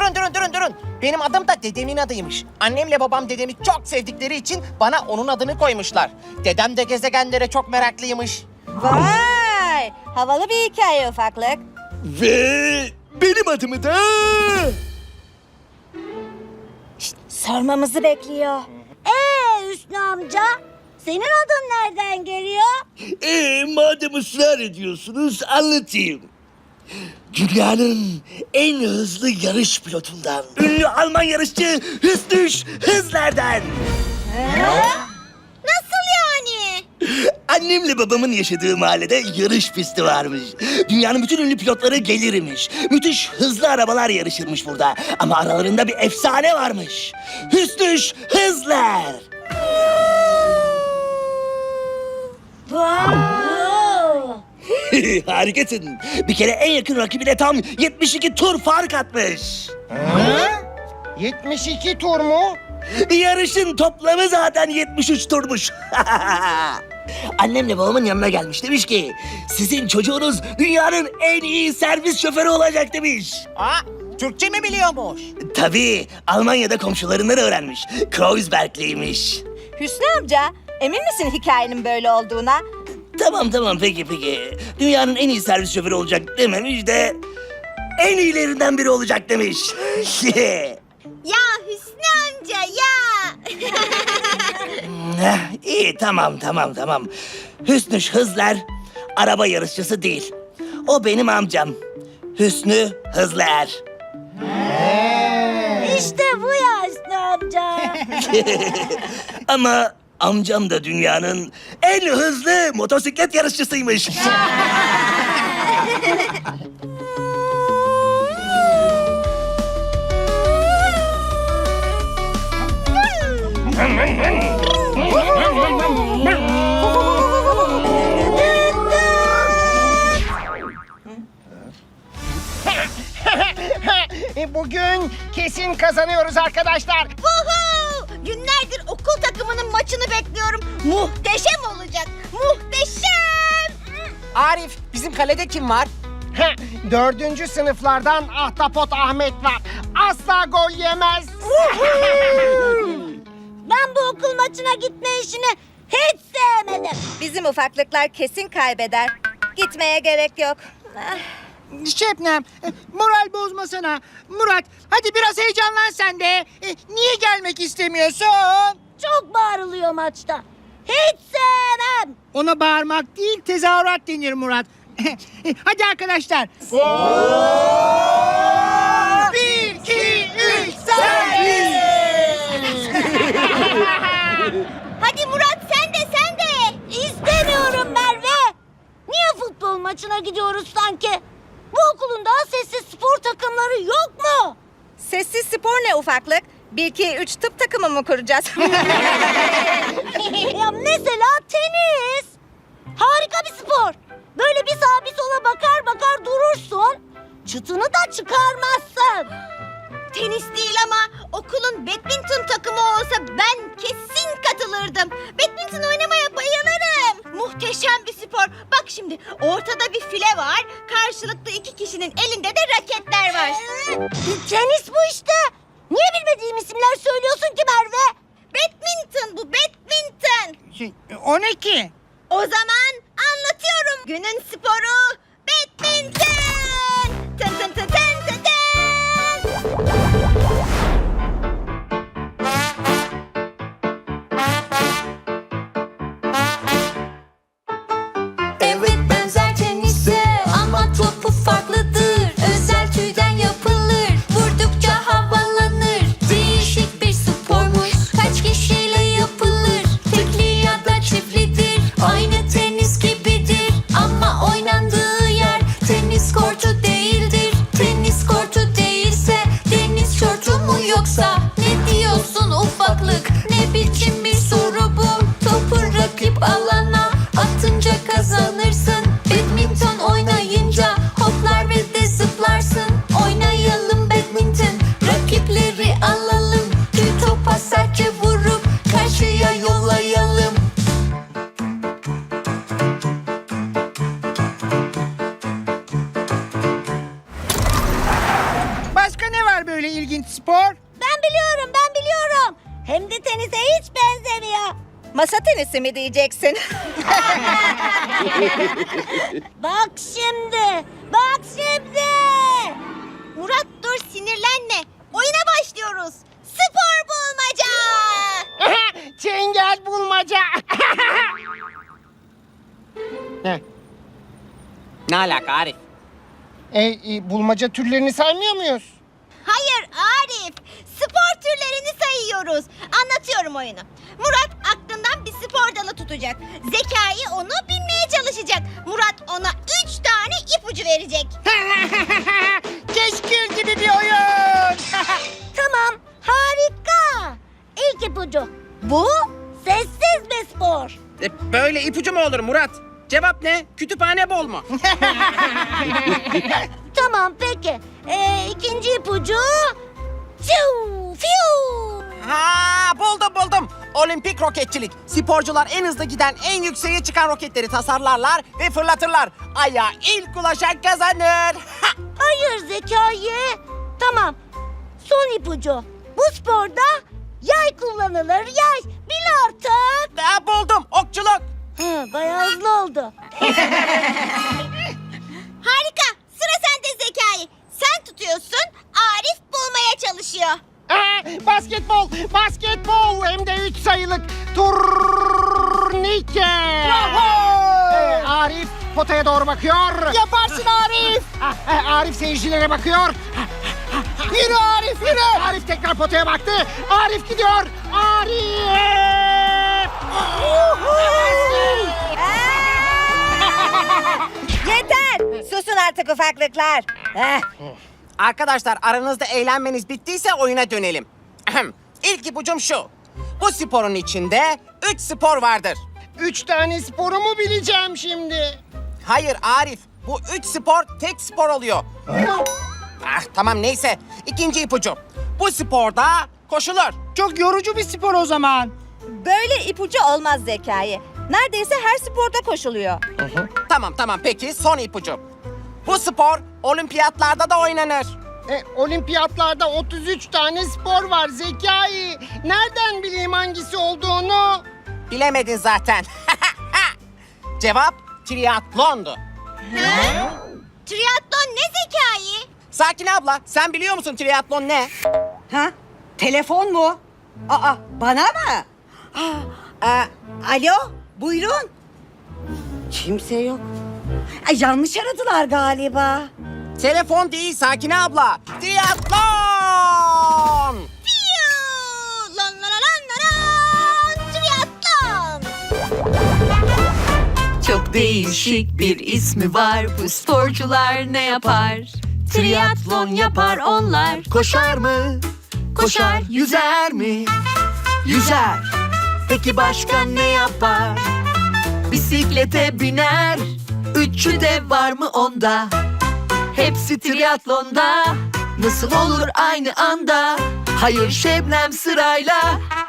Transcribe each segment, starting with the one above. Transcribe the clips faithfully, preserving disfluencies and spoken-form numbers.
durun durun durun durun. Benim adım da dedemin adıymış. Annemle babam dedemi çok sevdikleri için bana onun adını koymuşlar. Dedem de gezegenlere çok meraklıymış. Vay! Havalı bir hikaye ufaklık. Ve benim adımı da... Şşt, sormamızı bekliyor. Ee Hüsnü amca, senin adın nereden geliyor? Ee, madem ısrar ediyorsunuz anlatayım. Dünyanın en hızlı yarış pilotundan. Ünlü Alman yarışçı Hüsnü Hızler'den. Nasıl yani? Annemle babamın yaşadığı mahallede yarış pisti varmış. Dünyanın bütün ünlü pilotları gelirmiş. Müthiş hızlı arabalar yarışırmış burada. Ama aralarında bir efsane varmış. Hüsnü Hızler. Harikasın. Bir kere en yakın rakibine tam yetmiş iki tur fark atmış. yetmiş iki tur mu? Yarışın toplamı zaten yetmiş üç turmuş. Annemle babamın yanına gelmiş, demiş ki sizin çocuğunuz dünyanın en iyi servis şoförü olacak demiş. Aa, Türkçe mi biliyormuş? Tabii Almanya'da komşularından öğrenmiş. Kreuzbergliymiş. Hüsnü amca, emin misin hikayenin böyle olduğuna? Tamam tamam peki peki. Dünyanın en iyi servis şoförü olacak dememiş de en iyilerinden biri olacak demiş. Ya Hüsnü amca ya. Heh, İyi tamam tamam tamam. Hüsnü Hızler araba yarışçısı değil. O benim amcam. Hüsnü Hızler. İşte bu ya Hüsnü amca. Ama amcam da dünyanın en hızlı motosiklet yarışçısıymış. E, Bugün kesin kazanıyoruz arkadaşlar. Vuhu! Günlerdir okul takımının maçını bekliyorum. Muhteşem olacak. Muhteşem. Arif, bizim kalede kim var? Dördüncü sınıflardan Ahtapot Ahmet var. Asla gol yemez. Ben bu okul maçına gitme işini hiç sevmedim. Bizim ufaklıklar kesin kaybeder. Gitmeye gerek yok. Ah. Şebnem, e, moral bozmasana. Murat, hadi biraz heyecanlan sen de. E, niye gelmek istemiyorsun? Çok bağırılıyor maçta. Hiç sevmem. Ona bağırmak değil, tezahürat denir Murat. E, hadi arkadaşlar. Bir, iki, üç, servis! Hadi Murat sen de sen de. İstemiyorum Merve. Niye futbol maçına gidiyoruz sanki? Bu okulun daha sessiz spor takımları yok mu? Sessiz spor ne ufaklık? Bir, iki, üç tıp takımı mı kuracağız? Ya mesela tenis. Harika bir spor. Böyle bir sağa bir sola bakar bakar durursun. Çıtını da çıkarmazsın. Tenis değil ama okulun badminton takımı olsa ben kesin katılırdım. Badminton oynamaya bayılırım. Muhteşem bir spor. Bak şimdi ortada bir file var. Karşılıklı iki kişinin elinde de raketler var. Tenis bu işte. Niye bilmediğim isimler söylüyorsun ki Merve? Badminton bu badminton. Şey, o ne ki? O zaman anlatıyorum. Günün sporu badminton. Tın tın tın tın tın tın. Evet benzer tenise ama topu farklıdır. Özel tüyden yapılır, vurdukça havalanır. Değişik bir spormuş, kaç kişiyle yapılır. Tekli ya da çiftlidir, aynı tenis gibidir ama oynandığı var böyle ilginç spor? Ben biliyorum, ben biliyorum. Hem de tenise hiç benzemiyor. Masa tenisi mi diyeceksin? Bak şimdi, bak şimdi. Murat dur sinirlenme. Oyuna başlıyoruz. Spor bulmaca. Çengel bulmaca. Heh, Ne alaka Arif? e, e, bulmaca türlerini saymıyor muyuz? Hayır Arif, spor türlerini sayıyoruz. Anlatıyorum oyunu. Murat aklından bir spor dalı tutacak. Zekai onu bilmeye çalışacak. Murat ona üç tane ipucu verecek. Keşkül gibi bir oyun. Tamam, harika. İlk ipucu. Bu sessiz bir spor. E, böyle ipucu mu olur Murat? Cevap ne? Kütüphane bol mu? Tamam peki. Ee, ikinci ipucu. Fiu, fiu. Ha buldum buldum. Olimpik roketçilik. Sporcular en hızlı giden, en yükseğe çıkan roketleri tasarlarlar ve fırlatırlar. Aya ilk ulaşan kazanır. Ha! Hayır Zekai. Tamam. Son ipucu. Bu sporda yay kullanılır. Yay. Bil artık. Ha, buldum. Okçuluk. Hı, bayağı hızlı oldu. Harika. Sıra sende Zekai. Sen tutuyorsun. Arif bulmaya çalışıyor. Aa, basketbol, basketbol hem de üç sayılık turnike. Ee, Arif potaya doğru bakıyor. Yaparsın Arif. Arif seyircilere bakıyor. Yürü Arif yürü. Arif tekrar potaya baktı. Arif gidiyor. Arif. Yeter! Susun artık ufaklıklar. Heh. Arkadaşlar aranızda eğlenmeniz bittiyse oyuna dönelim. Ahem. İlk ipucum şu. Bu sporun içinde üç spor vardır. Üç tane sporu mu bileceğim şimdi? Hayır Arif. Bu üç spor tek spor oluyor. Ah, tamam neyse. İkinci ipucu. Bu sporda koşulur. Çok yorucu bir spor o zaman. Böyle ipucu olmaz Zekai. Neredeyse her sporda koşuluyor. Tamam tamam peki son ipucu. Bu spor olimpiyatlarda da oynanır. E, olimpiyatlarda otuz üç tane spor var Zekai. Nereden bileyim hangisi olduğunu? Bilemedin zaten. Cevap triatlondu. Triatlon ne Zekai? Sakin abla sen biliyor musun triatlon ne? Ha? Telefon mu? Aa, bana mı? Aa, aa, alo, buyurun. Kimse yok. Ay, yanlış aradılar galiba. Telefon değil Sakin abla. Triatlon! Fiu! Lan lan lan lan lan! Triatlon! Çok değişik bir ismi var. Bu sporcular ne yapar? Triatlon yapar onlar. Koşar mı? Koşar. Yüzer mi? Yüzer. Peki başka ne yapar? Bisiklete biner. Üçü de var mı onda? Hepsi triatlonda. Nasıl olur aynı anda? Hayır Şebnem sırayla.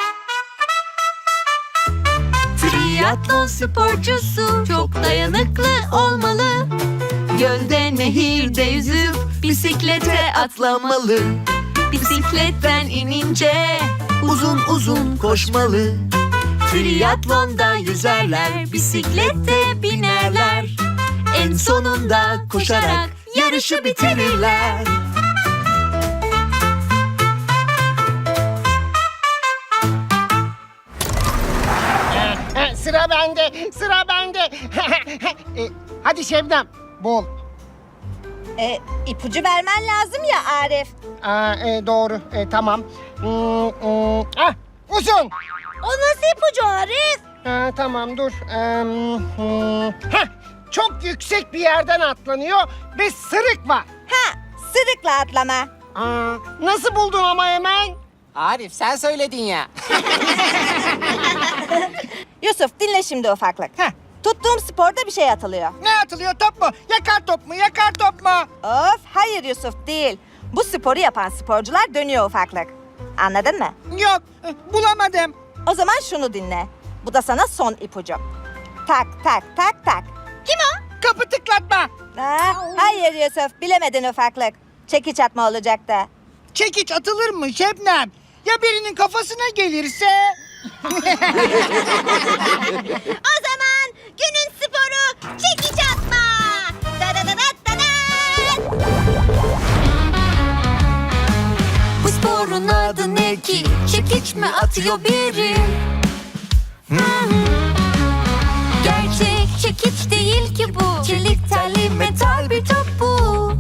Triatlon sporcusu çok dayanıklı olmalı. Gölde nehirde yüzüp bisiklete atlamalı. Bisikletten inince uzun uzun koşmalı. Triatlonda yüzerler, bisiklette binerler. En sonunda koşarak yarışı bitirirler. E, sıra bende, sıra bende. E, hadi Şebnem, bul. E, ipucu vermen lazım ya Arif. Aa, e, doğru, e, tamam. Hmm, hmm, ah, uzun. O nasıl ipucu Arif? Ha, tamam dur. Ee, hmm, heh, çok yüksek bir yerden atlanıyor ve sırık var. Ha, sırıkla atlama. Aa, nasıl buldun ama hemen? Arif sen söyledin ya. Yusuf dinle şimdi ufaklık. Heh. Tuttuğum sporda bir şey atılıyor. Ne atılıyor, top mu? Yakar top mu? Yakar top mu? Of hayır Yusuf değil. Bu sporu yapan sporcular dönüyor ufaklık. Anladın mı? Yok, e, bulamadım. O zaman şunu dinle. Bu da sana son ipucu. Tak tak tak tak. Kim o? Kapı tıklatma. Ha, hayır Yusuf bilemedin ufaklık. Çekiç atma olacaktı. Çekiç atılır mı Şebnem? Ya birinin kafasına gelirse? O zaman günün sporu çekiç atma. Da da da da da da. Bu sporun adı ne ki? Çekiç mi atıyor biri? Gerçek çekiç değil ki bu. Çelik telli metal bir top bu.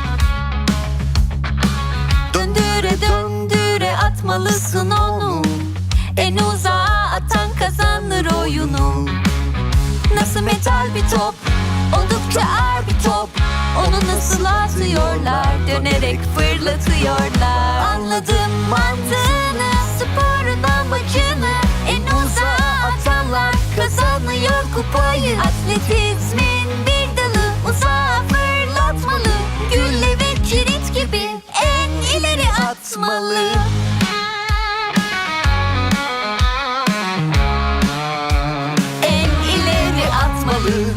Döndüre döndüre atmalısın onu. En uzağa atan kazanır oyunu. Nasıl metal bir top, oldukça ağır bir top. Onu nasıl atıyorlar, dönerek fırlatıyorlar. Anladım mantığını, sporun amacını. En uzağa atanlar kazanıyor kupayı. Atletizmin bir dalı, uzağa fırlatmalı. Gülle ve kilit gibi en ileri atmalı. En ileri atmalı.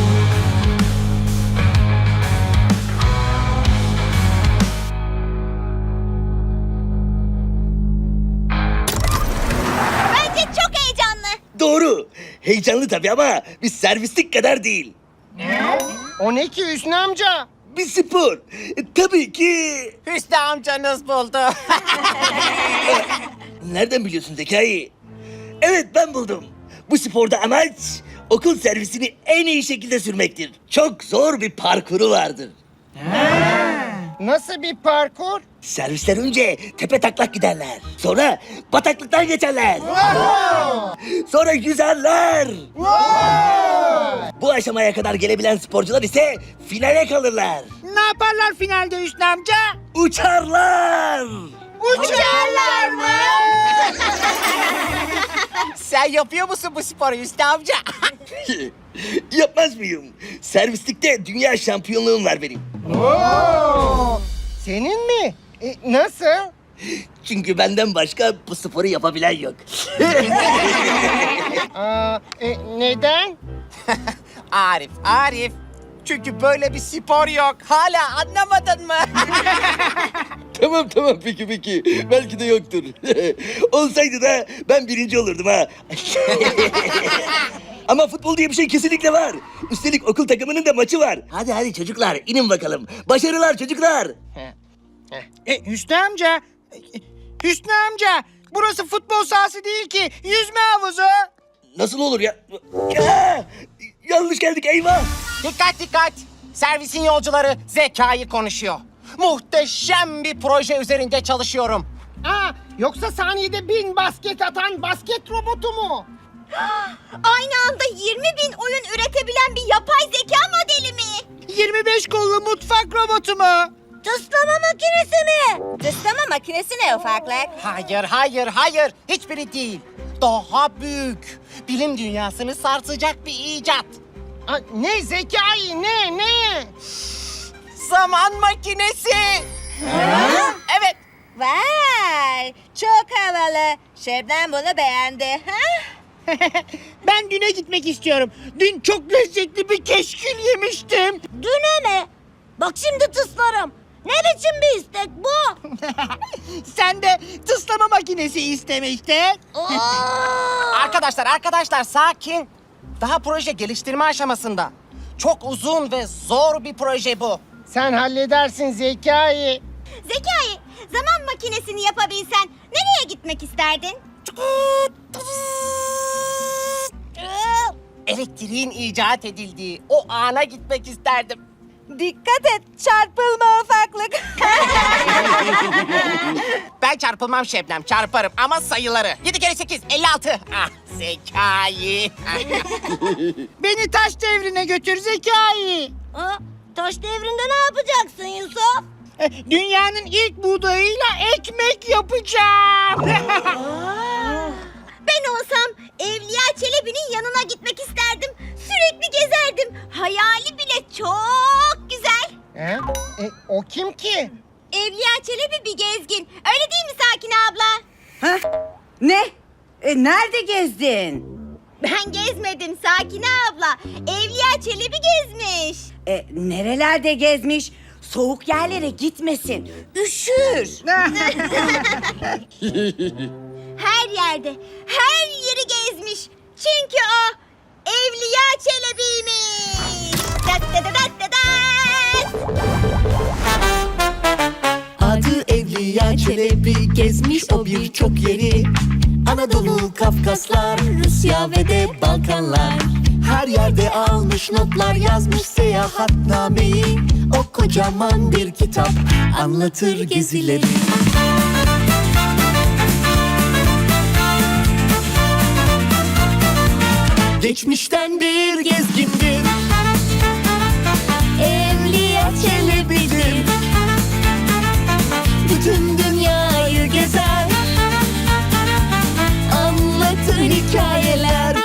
Bence çok heyecanlı. Doğru. Heyecanlı tabii ama bir servislik kadar değil. O ne ki Hüsnü amca? Bir spor. E, tabii ki. Hüsnü amcanız buldu. Nereden biliyorsun Zekai? Evet, ben buldum. Bu sporda amaç okul servisini en iyi şekilde sürmektir. Çok zor bir parkuru vardır. Nasıl bir parkur? Servisler önce tepe taklak giderler. Sonra bataklıktan geçerler. Sonra yüzerler. Bu aşamaya kadar gelebilen sporcular ise finale kalırlar. Ne yaparlar finalde Hüsnü amca? Uçarlar. Uçarlar mı? Sen yapıyor musun bu sporu Hüsnü amca? Yapmaz mıyım? Servislikte dünya şampiyonluğum var benim. Oo, senin mi? E, nasıl? Çünkü benden başka bu sporu yapabilen yok. Aa, e, neden? Arif, Arif. Çünkü böyle bir spor yok. Hala anlamadın mı? Tamam tamam peki peki. Belki de yoktur. Olsaydı da ben birinci olurdum ha. Ama futbol diye bir şey kesinlikle var. Üstelik okul takımının da maçı var. Hadi hadi çocuklar inin bakalım. Başarılar çocuklar. E, Hüsnü amca, e, Hüsnü amca, burası futbol sahası değil ki, yüzme havuzu. Nasıl olur ya? Ya! Yanlış geldik eyvah. Dikkat dikkat. Servisin yolcuları Zekai konuşuyor. Muhteşem bir proje üzerinde çalışıyorum. Aa, yoksa saniyede bin basket atan basket robotu mu? Aynı anda yirmi bin oyun üretebilen bir yapay zeka modeli mi? yirmi beş kollu mutfak robotu mu? Tıslama makinesi mi? Tıslama makinesi ne ufaklık? Hayır, hayır, hayır. Hiçbiri değil. Daha büyük. Bilim dünyasını sarsacak bir icat. Aa, ne Zekai, ne, ne? Zaman makinesi. Evet. Vay, çok havalı. Şebnem bunu beğendi. Ha? Ben düne gitmek istiyorum. Dün çok lezzetli bir keşkül yemiştim. Düne mi? Bak şimdi tıslarım. Ne biçim bir istek bu? Sen de tıslama makinesi isteme işte. Aa! Arkadaşlar, arkadaşlar sakin. Daha proje geliştirme aşamasında. Çok uzun ve zor bir proje bu. Sen halledersin Zekai. Zekai, zaman makinesini yapabilsen nereye gitmek isterdin? Elektriğin icat edildiği o ana gitmek isterdim. Dikkat et, çarpılma ufaklık. Ben çarpılmam Şebnem, çarparım ama sayıları. Yedi kere sekiz, elli altı. Ah, Zekai. Beni taş devrine götür Zekai. Aa, taş devrinde ne yapacaksın Yusuf? E, Dünyanın ilk buğdayıyla ekmek yapacağım. Ben olsam Evliya Çelebi'nin yanına gitmek isterdim. Sürekli gezerdim. Hayali bile çok güzel. He? E, o kim ki? Evliya Çelebi bir gezgin. Öyle değil mi Sakine abla? Ha? Ne? E, nerede gezdin? Ben gezmedim Sakine abla. Evliya Çelebi gezmiş. E, nerelerde gezmiş? Soğuk yerlere gitmesin. Üşür. Her yerde, her yeri gezmiş. Çünkü o Evliya Çelebi'ymiş. Dat dat dat dat dat. Adı Evliya Çelebi, gezmiş o birçok yeri. Anadolu, Kafkaslar, Rusya ve de Balkanlar. Her yerde almış notlar, yazmış seyahatnameyi. O kocaman bir kitap anlatır gezileri. Geçmişten bir gezgindir, Evliya Çelebi'dir. Bütün dünyayı gezer, anlatır hikayeler.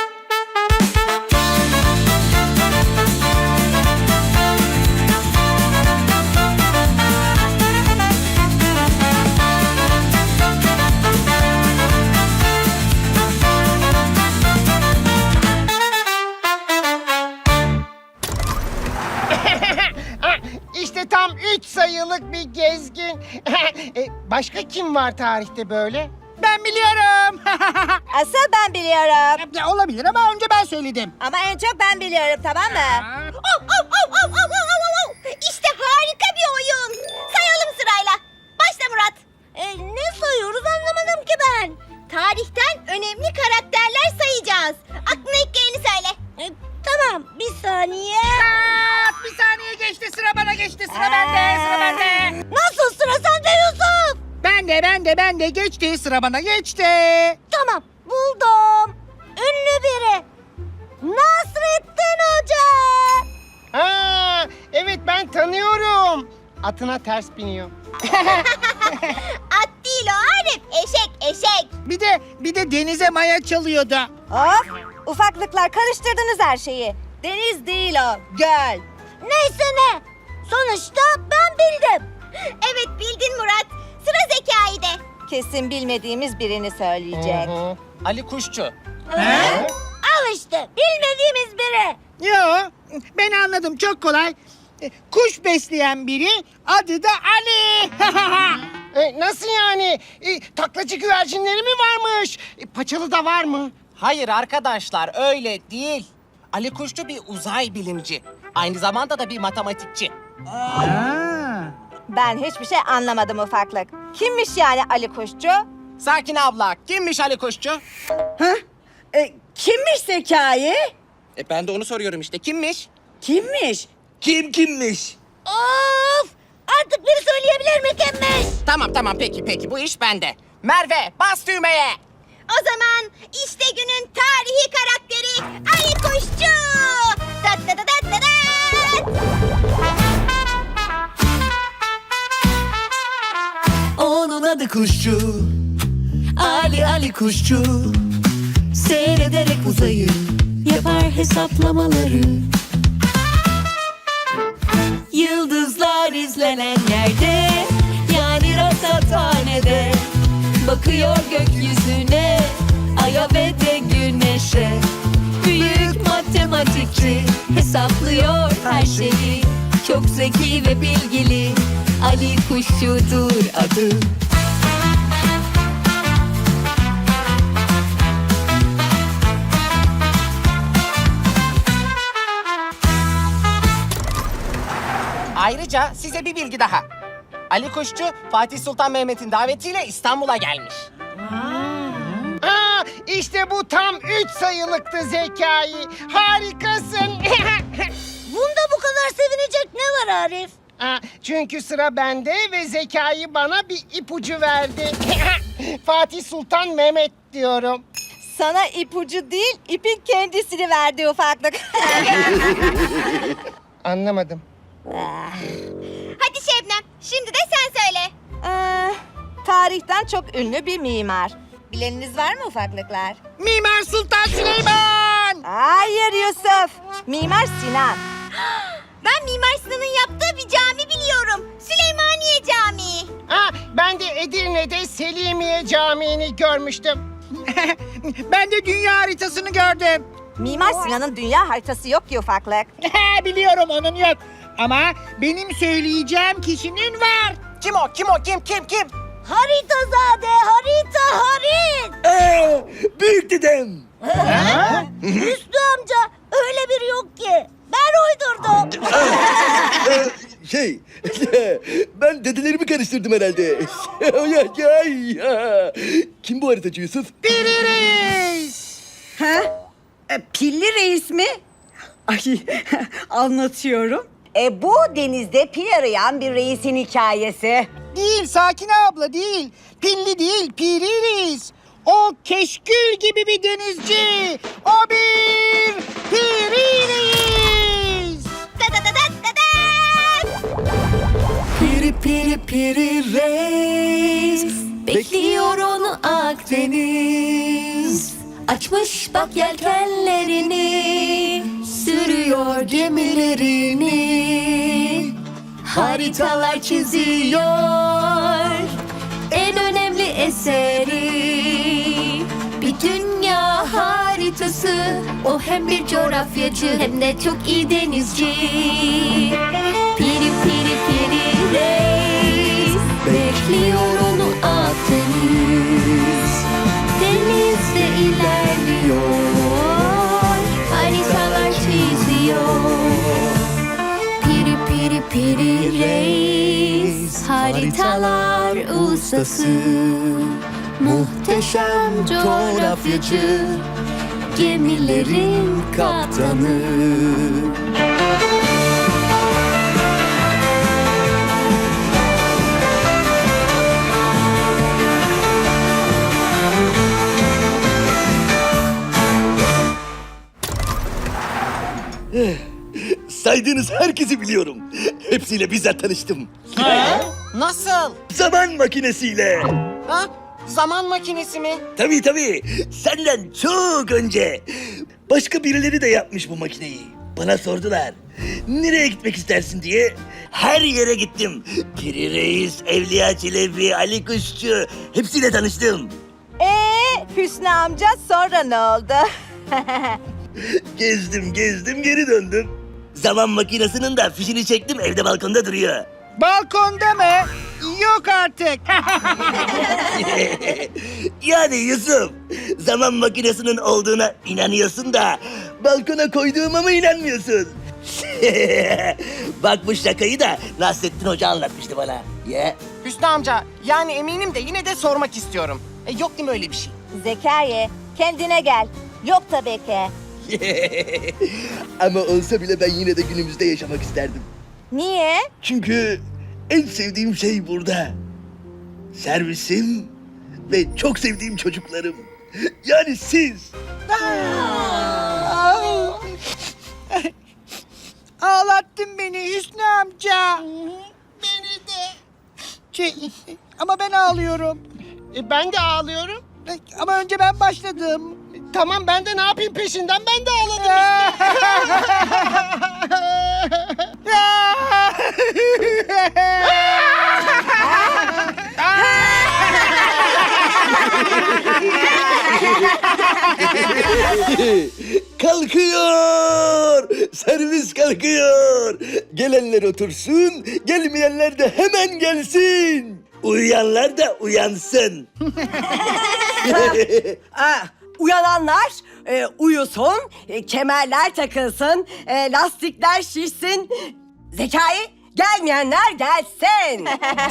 İşte tam üç sayılık bir gezgin. E, başka kim var tarihte böyle? Ben biliyorum. Asıl ben biliyorum. Ya, olabilir ama önce ben söyledim. Ama en çok ben biliyorum, tamam mı? Av, av, av, av, av, av, av, av. İşte harika bir oyun. Sayalım sırayla. Başla Murat. E, ne sayıyoruz anlamadım ki ben. Tarihten önemli karakterler sayacağız. Aklına ilk geleni söyle. E, tamam bir saniye. Aa, bir saniye geçti, sıra bana geçti. Sıra bende, sıra bende. Nasıl sıra sende Yusuf? Ben de, ben de, ben de geçti. Sıra bana geçti. Tamam buldum. Ünlü biri. Nasrettin Hoca. Ha, evet ben tanıyorum. Atına ters biniyor. At değil o Arif. Eşek eşek. Bir de, bir de denize maya çalıyordu. Of, ufaklıklar karıştırdınız her şeyi. Deniz değil o, göl. Neyse ne. Sonuçta ben bildim. Evet bildin Murat. Sıra Zekai'de. Kesin bilmediğimiz birini söyleyecek. Hı hı. Ali Kuşçu. Al işte bilmediğimiz biri. Yo, ben anladım, çok kolay. E, Kuş besleyen biri, adı da Ali. E, nasıl yani? E, taklacı güvercinleri mi varmış? E, paçalı da var mı? Hayır arkadaşlar öyle değil. Ali Kuşçu bir uzay bilimci. Aynı zamanda da bir matematikçi. Ben hiçbir şey anlamadım ufaklık. Kimmiş yani Ali Kuşçu? Sakin abla kimmiş Ali Kuşçu? Hah? E, kimmiş Zekai? E ben de onu soruyorum işte kimmiş? Kimmiş? Kim kimmiş? Of! Artık biri söyleyebilir mi kimmiş? Tamam tamam peki peki bu iş bende. Merve bas düğmeye. O zaman işte günün tarihi karakteri Ali Kuşçu. Dat dat dat dat dat. Onun adı Kuşçu, Ali Ali Kuşçu. Seyrederek uzayı yapar hesaplamaları. Yıldızlar izlenen yerde, yani rasathanede. Bakıyor gökyüzüne, aya ve de güneşe. Büyük matematikçi, hesaplıyor her şeyi. Çok zeki ve bilgili, Ali Kuşçu'dur adı. Ayrıca size bir bilgi daha. Ali Kuşçu Fatih Sultan Mehmet'in davetiyle İstanbul'a gelmiş. Aa, işte bu tam üç sayılıktı Zekai. Harikasın. Bunda bu kadar sevinecek ne var Arif? Aa, çünkü sıra bende ve Zekai bana bir ipucu verdi. Fatih Sultan Mehmet diyorum. Sana ipucu değil, ipin kendisini verdi ufaklık. Anlamadım. Hadi Şebnem şimdi de sen söyle. Ee, tarihten çok ünlü bir mimar. Bileniniz var mı ufaklıklar? Mimar Sultan Süleyman. Hayır Yusuf. Mimar Sinan. Ben Mimar Sinan'ın yaptığı bir cami biliyorum. Süleymaniye Camii. Ha, ben de Edirne'de Selimiye Camii'ni görmüştüm. Ben de dünya haritasını gördüm. Mimar Sinan'ın dünya haritası yok ki ufaklık. Biliyorum onun yok. Ama benim söyleyeceğim kişinin var. Kim o? Kim o? Kim? Kim? Kim? Haritazade, harita, harit. Aa, büyük dedem. Hüsnü amca, öyle biri yok ki. Ben uydurdum. Şey, ben dedelerimi karıştırdım herhalde. Kim bu haritacı Yusuf? Piri Reis. Ha? E, pilli reis mi? Ay anlatıyorum. E bu denizde pil arayan bir reisin hikayesi. Değil Sakine abla değil. Pilli değil, Piri Reis. O keşkül gibi bir denizci. O bir Piri Reis. Piri piri piri reis, bekliyor onu Akdeniz. Açmış bak yelkenlerini, sürüyor gemilerini. Haritalar çiziyor en önemli eseri. Bir dünya haritası, o hem bir coğrafyacı hem de çok iyi denizci. Piri piri piri reis, bekliyor onu Akdeniz. Denizde ilerliyor, haritalar çiziyor. Piri piri piri reis, haritalar ustası. Muhteşem coğrafyacı, gemilerin kaptanı. Saydığınız herkesi biliyorum. Hepsiyle bizzat tanıştım. Nasıl? Zaman makinesiyle. Ha? Zaman makinesi mi? Tabii tabii. Senden çok önce. Başka birileri de yapmış bu makineyi. Bana sordular. Nereye gitmek istersin diye. Her yere gittim. Piri Reis, Evliya Çelebi, Ali Kuşçu. Hepsiyle tanıştım. Ee Hüsnü amca sonra ne oldu? Gezdim gezdim geri döndüm. Zaman makinesinin de fişini çektim, evde balkonda duruyor. Balkonda mı? Yok artık. Yani Yusuf, zaman makinesinin olduğuna inanıyorsun da balkona koyduğuma mı inanmıyorsun? Bak bu şakayı da Nasrettin Hoca anlatmıştı bana. Ya. Hüsnü amca, yani eminim de yine de sormak istiyorum. E, yok değil mi öyle bir şey? Zekai, kendine gel. Yok tabii ki. Ama olsa bile ben yine de günümüzde yaşamak isterdim. Niye? Çünkü en sevdiğim şey burada. Servisim ve çok sevdiğim çocuklarım. Yani siz. Ağlattın beni Hüsnü amca. Beni de. Şey, ama ben ağlıyorum. E, ben de ağlıyorum. Ama önce ben başladım. Tamam ben de ne yapayım peşinden ben de ağladım. Kalkıyor. Servis kalkıyor. Gelenler otursun, gelmeyenler de hemen gelsin. Uyuyanlar da uyansın. Aa, uyananlar e, uyusun, e, kemerler takılsın, e, lastikler şişsin. Zekai, gelmeyenler gelsin.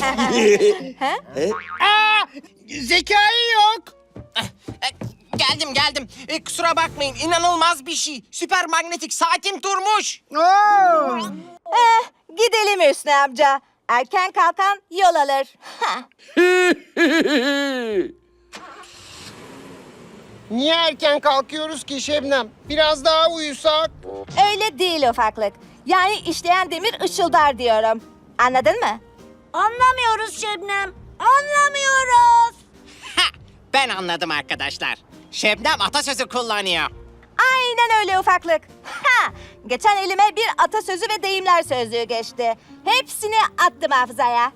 Aa, Zekai yok. E, geldim geldim. E, kusura bakmayın, inanılmaz bir şey. Süper manyetik saatim durmuş. Oo. Eh, gidelim Hüsnü amca. Erken kalkan yol alır. Hah. Niye erken kalkıyoruz ki Şebnem? Biraz daha uyusak. Öyle değil ufaklık. Yani işleyen demir ışıldar diyorum. Anladın mı? Anlamıyoruz Şebnem. Anlamıyoruz. Ha, ben anladım arkadaşlar. Şebnem atasözü kullanıyor. Aynen öyle ufaklık. Ha! Geçen elime bir atasözü ve deyimler sözlüğü geçti. Hepsini attım hafızaya.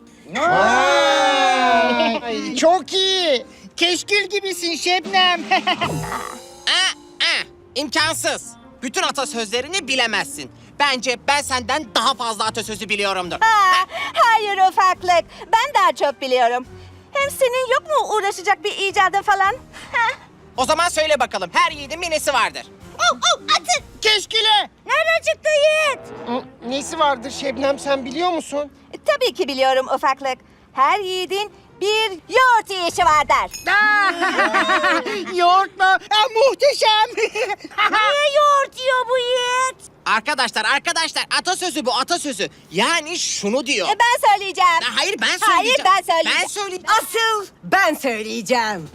Ay, çok iyi. Keşkül gibisin Şebnem. Aa, aa, imkansız. Bütün atasözlerini bilemezsin. Bence ben senden daha fazla atasözü biliyorumdur. Ha, hayır ufaklık. Ben daha çok biliyorum. Hem senin yok mu uğraşacak bir icadın falan? Ha? O zaman söyle bakalım, her yiğidin bir nesi vardır? Oh, oh, atın. Keşkile. Nereden çıktı Yiğit? Hı, Nesi vardır Şebnem, sen biliyor musun? E, Tabii ki biliyorum ufaklık. Her yiğidin bir yoğurt yiyişi vardır. Yoğurt mu? Ah, muhteşem. Niye yoğurt yiyor bu Yiğit? Arkadaşlar, arkadaşlar, atasözü bu, atasözü. Yani şunu diyor. E, ben söyleyeceğim. Ha, hayır, ben Hayır, söyleyeceğim. ben söyleyeceğim. Ben söyleyeceğim. Asıl ben söyleyeceğim.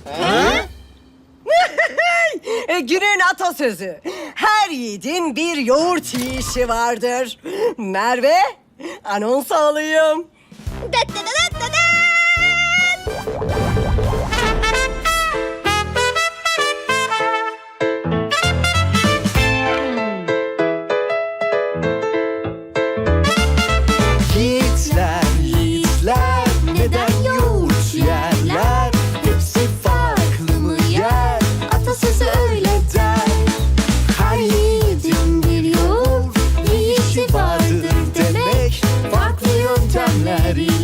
E, Günün atasözü. Her yiğidin bir yoğurt yiyişi vardır. Merve, anons alayım. Dat dat dat dat dat. Yiğitler, yiğitler neden yoğurt yerler? Hepsi farklı mı yer? Atasözü öyle der. Her yiğidin bir yoğurt yiyişi vardır demek. Farklı yöntemler ile